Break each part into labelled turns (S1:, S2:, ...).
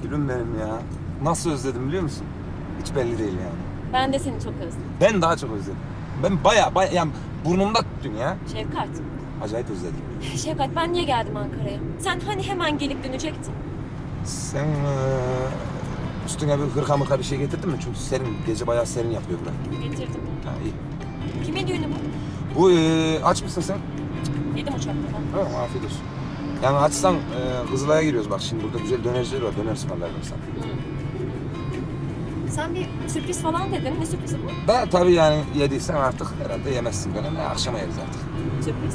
S1: Gülüm benim ya. Nasıl özledim biliyor musun? Hiç belli değil yani.
S2: Ben de seni çok özledim.
S1: Ben daha çok özledim. Ben baya yani burnumda tuttun ya.
S2: Şefkat.
S1: Acayip özledim.
S2: Şefkat ben niye geldim Ankara'ya? Sen hani hemen gelip dönecektin.
S1: Sen üstüne bir hırka mırka bir şey getirdin mi? Çünkü serin, gece bayağı serin yapıyor burası.
S2: Getirdim.
S1: Ha iyi.
S2: Kimin düğünü bu?
S1: Bu aç mısın sen?
S2: Yedim uçakta ben.
S1: Ha, afiyet olsun. Yani açsan Kızılay'a giriyoruz bak şimdi burada güzel dönerciler var. Döner ısmarlarım sana.
S2: Sen bir sürpriz falan dedin. Ne sürprizi bu?
S1: Da tabii yani yediysen artık herhalde yemezsin döner. Akşama yeriz artık.
S2: Sürpriz.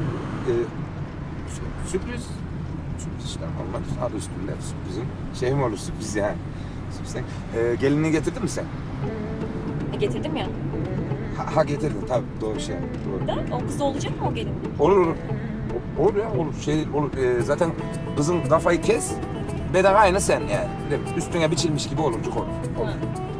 S1: Sürpriz. Sürpriz işte normal. Adı üstünde sürprizin. Şey mi olur sürpriz yani? Sürpriz. Gelinliği getirdin mi sen?
S2: Getirdim ya.
S1: Ha getirdin tabii doğru şey. Doğru.
S2: Da o kız olacak mı o gelin?
S1: Olur olur. Olur ya olur. Şey olur. Zaten kızın kafayı kes. Bedava aynı sen yani. Değil mi? Üstüne biçilmiş gibi olurcuk olur. Olur.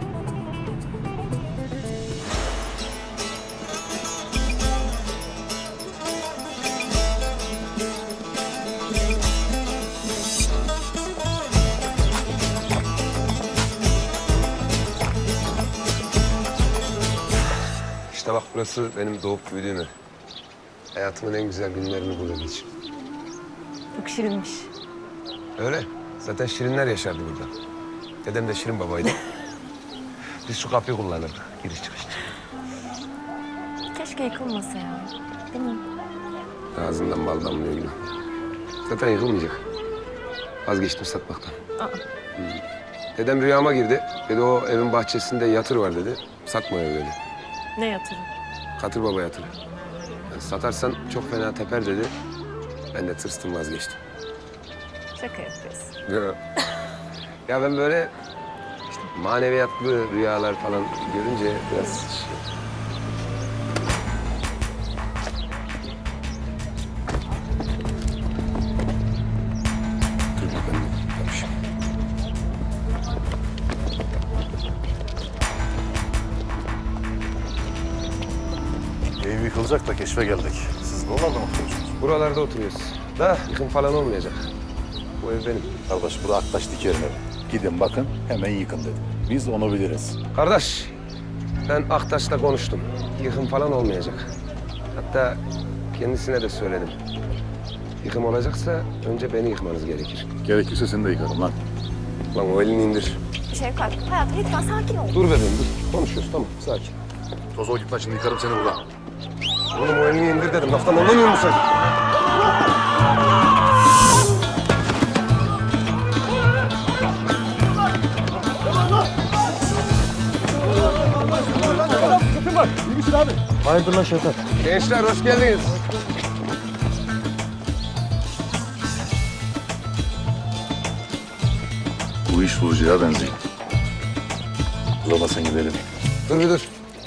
S3: İşte bak burası benim doğup büyüdüğüm ev. Hayatımın en güzel günlerini burada geçirdim.
S2: Çok şirinmiş.
S3: Öyle. Zaten şirinler yaşardı burada. Dedem de şirin babaydı. Biz şu kapıyı kullanırdık. Giriş çıkış için.
S2: Keşke yıkılmasa ya. Değil mi?
S3: Ağzından bal damlıyor gülüm. Zaten yıkılmayacak. Vazgeçtim satmaktan. Dedem rüyama girdi. Dedi o evin bahçesinde yatır var dedi. Satma ev dedi.
S2: Ne yatırım?
S3: Katır baba yatırı. Yani satarsan çok fena teper dedi. Ben de tırstım vazgeçtim.
S2: Şaka yapıyorsun.
S3: Ya ben böyle işte maneviyatlı rüyalar falan görünce biraz şey... Dur bakalım. Yapmışım.
S4: Ev yıkılacak da keşfe geldik. Siz buralarda mı oturuyorsunuz?
S3: Buralarda oturuyoruz. Da yıkım falan olmayacak. Bu ev benim.
S4: Kardeş bu da Aktaş Diker'in evi. Gidin bakın hemen yıkın dedim. Biz onu biliriz.
S3: Kardeş, ben Aktaş'la konuştum. Yıkım falan olmayacak. Hatta kendisine de söyledim. Yıkım olacaksa önce beni yıkmanız gerekir.
S4: Gerekirse seni de yıkarım lan.
S3: Lan o elini indir.
S2: Şefkat, hayatım lütfen sakin ol.
S3: Dur bebeğim dur. Konuşuyoruz tamam sakin.
S4: Toz ol git lan şimdi yıkarım seni burada.
S3: Oğlum o elini indir dedim. Laftan anlamıyor musun?
S5: Hayırdır lan Şevkat?
S3: Gençler hoş geldiniz.
S4: Bu iş bulucuya benziyor. Uzamasın gidelim.
S3: Dur bir dur.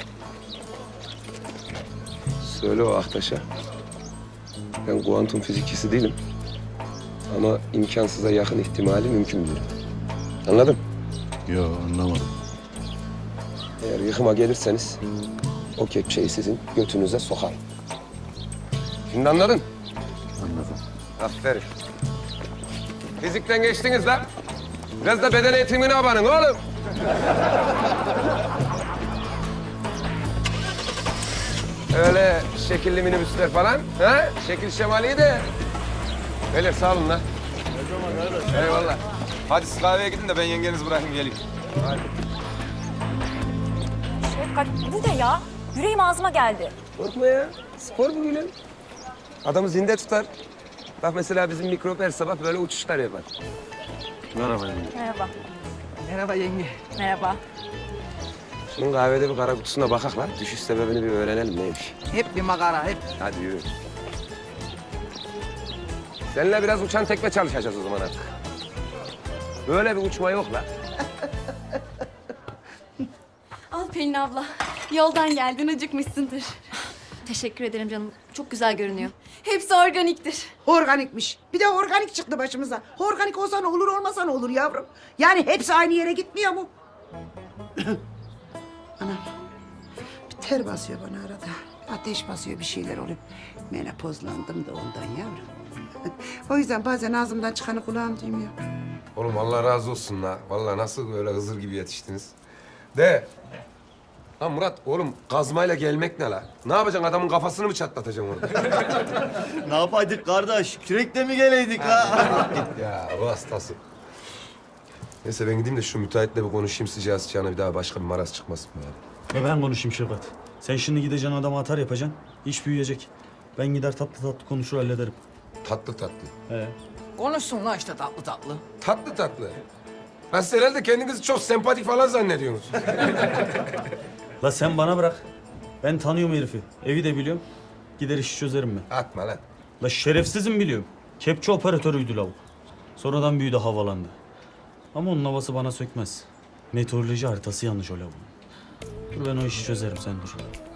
S3: Söyle o Aktaş'a. Ben kuantum fizikçisi değilim. Ama imkansıza yakın ihtimali mümkün bilirim. Anladın?
S4: Yo anlamadım.
S3: Eğer yıkıma gelirseniz o kepçeyi sizin götünüze sokarım. Şimdi anladın?
S4: Anladım.
S3: Aferin. Fizikten geçtiniz lan. Biraz da beden eğitimine abanın oğlum. Öyle şekilli minibüsler falan. Ha? Şekil şemali de. Beyler sağ olun lan. Eyvallah.
S1: Hadi siz kahveye gidin de ben yengenizi bırakayım geleyim.
S2: Şefkat bu ne ya? Yüreğim ağzıma geldi.
S3: Korkma ya. Spor bu gülüm. Adamı zinde tutar. Bak mesela bizim mikrop her sabah böyle uçuşlar yapar.
S4: Merhaba yenge.
S2: Merhaba.
S6: Merhaba yenge.
S2: Merhaba.
S3: Şunun kahvede bir kara kutusuna bakak lan. Düşüş sebebini bir öğrenelim neymiş.
S6: Hep bir makara, hep.
S3: Hadi yürü. Seninle biraz uçan tekme çalışacağız o zaman artık. Böyle bir uçma yok la.
S7: Al Pelin abla. Yoldan geldin, acıkmışsındır.
S2: Teşekkür ederim canım. Çok güzel görünüyor.
S7: Hepsi organiktir.
S6: Organikmiş. Bir de organik çıktı başımıza. Organik olsa ne olur, olmasa ne olur yavrum. Yani hepsi aynı yere gitmiyor mu? Anam. Bir ter basıyor bana arada. Ateş basıyor, bir şeyler oluyor. Menopozlandım da ondan yavrum. O yüzden bazen ağzımdan çıkanı kulağım duymuyor.
S3: Oğlum Allah razı olsun la. Vallahi nasıl böyle Hızır gibi yetiştiniz. De. Lan Murat oğlum kazmayla gelmek ne la? Ne yapacaksın adamın kafasını mı çatlatacaksın orada?
S5: Ne yapaydık kardeş? Kürekle mi geleydik ha?
S3: Ya bu hastası. Neyse ben gideyim de şu müteahhitle bir konuşayım sıcağı sıcağına bir daha başka bir maraz çıkmasın bari.
S8: Ve ben konuşayım Şevkat. Sen şimdi gideceksin adama atar yapacaksın. İş büyüyecek. Ben gider tatlı tatlı konuşur hallederim.
S3: Tatlı tatlı.
S8: He.
S9: Konuşsun lan işte tatlı tatlı.
S3: Tatlı tatlı. Lan siz herhalde kendinizi çok sempatik falan zannediyorsunuz.
S8: La sen bana bırak. Ben tanıyorum herifi. Evi de biliyorum. Gider işi çözerim ben.
S3: Atma lan.
S8: La şerefsizim biliyorum. Kepçe operatörüydü lavuk. Sonradan büyüdü havalandı. Ama onun havası bana sökmez. Meteoroloji haritası yanlış o lavuğun. Dur ben o işi çözerim sen dur.